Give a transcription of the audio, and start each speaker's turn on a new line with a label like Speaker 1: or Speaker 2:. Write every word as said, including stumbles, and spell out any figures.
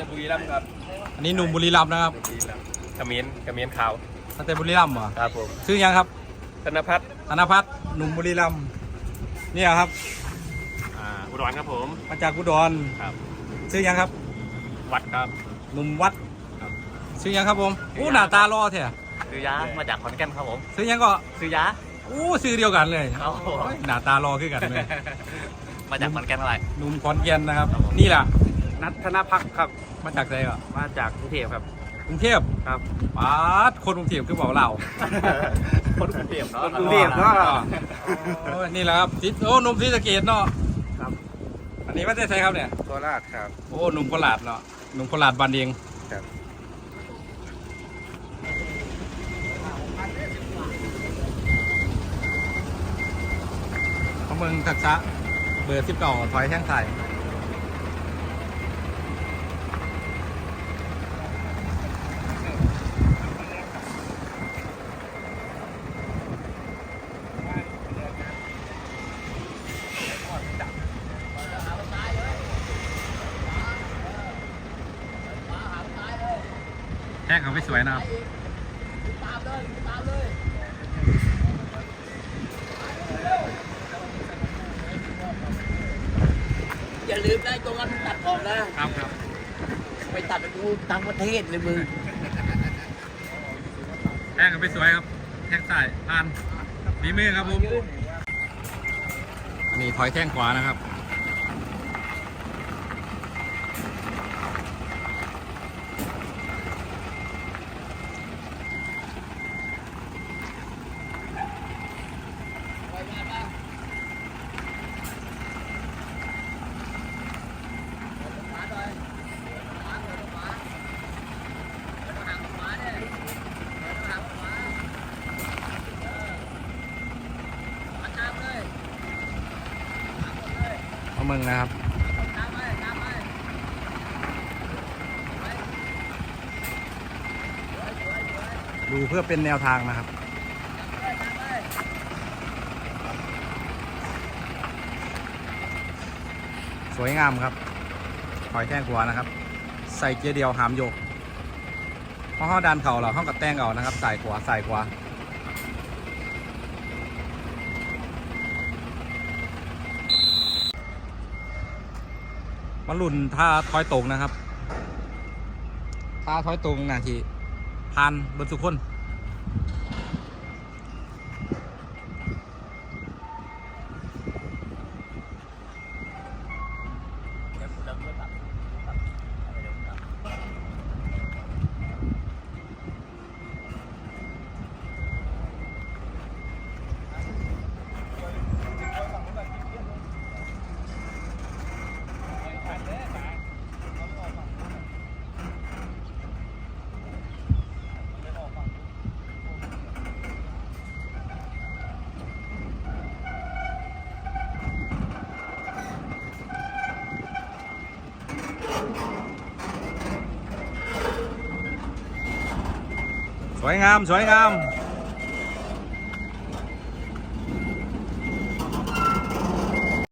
Speaker 1: แต่บุรีรัมย์ครับ
Speaker 2: อันนี้หนุ่มบุรีรัมย์นะครับ
Speaker 1: ขมิ้นขมิ้นขาว
Speaker 2: มาแต่บุรีรัมย์เหรอ
Speaker 1: ครับผม
Speaker 2: ชื่อยังครับ
Speaker 1: ธนพัฒน์
Speaker 2: ธนพัฒน์หนุ่มบุรีรัมย์นี่ครับ
Speaker 1: อ่าอุดรครับผม
Speaker 2: มาจากอุดร
Speaker 1: ครับ
Speaker 2: ชื่อยังครับ
Speaker 1: วัดครับ
Speaker 2: หนุ่มวัดชื่อยังครับผมอู้หน้าตารอเถอะ
Speaker 1: ซื้อยามาจากขอนแก่นครับผม
Speaker 2: ชื่อยังก็
Speaker 1: ซื้อยา
Speaker 2: อู้ชื่อเดียวกันเลยหน้าตารอขึ้นกันเลย
Speaker 1: มาจากขอนแก่นอะไร
Speaker 2: หนุ่มขอนแก่นนะครับนี่แหละ
Speaker 1: นัทธนพักครับ
Speaker 2: มาจากไหนอ่ะ
Speaker 1: มาจากกรุงเทพครับ
Speaker 2: กรุงเทพ
Speaker 1: ครับ
Speaker 2: ป้าดคนกรุงเทพคือบอกเรา
Speaker 1: คนกรุงเทพเนาะ
Speaker 2: กรุงเทพเนาะนี่แหละครับทิศโอ้หนุ่มศรีสะเกษเนาะ
Speaker 1: ครับ
Speaker 2: อันนี้ว่าจะใช่ครับเนี่ย
Speaker 1: โคราชครับ
Speaker 2: โอ้หนุ่มโคราชเนาะหนุ่มโคราชบ้านเอง
Speaker 1: ครับ
Speaker 2: เขาเมืองทักษะเบอร์สิบเก้าถอยแท่งไทยแท่งเขาไม่สวยนะครับ
Speaker 3: อย่าลืมได้ตรงนั้นตัดออกนะครับ
Speaker 2: ครับ
Speaker 3: ไปตัดไปดูต่างประเทศเลยมึง
Speaker 2: แท่งเขาไม่สวยครับแท่งซ้ายผ่านฝีมือครับผมอันนี้ถอยแท่งขวานะครับมึงนะครับดูเพื่อเป็นแนวทางนะครับสวยงามครับถอยแท่งขวานะครับใส่เกียร์เดียวหามโยกเพราะห้อดันเข่าเราห้องกับแต้งเอานะครับใส่ขวาใส่ขวามาลุ่นท่าถอยตรงนะครับท่าถอยตรงนาทีผ่านบนสุขคนสวยงามสวยงาม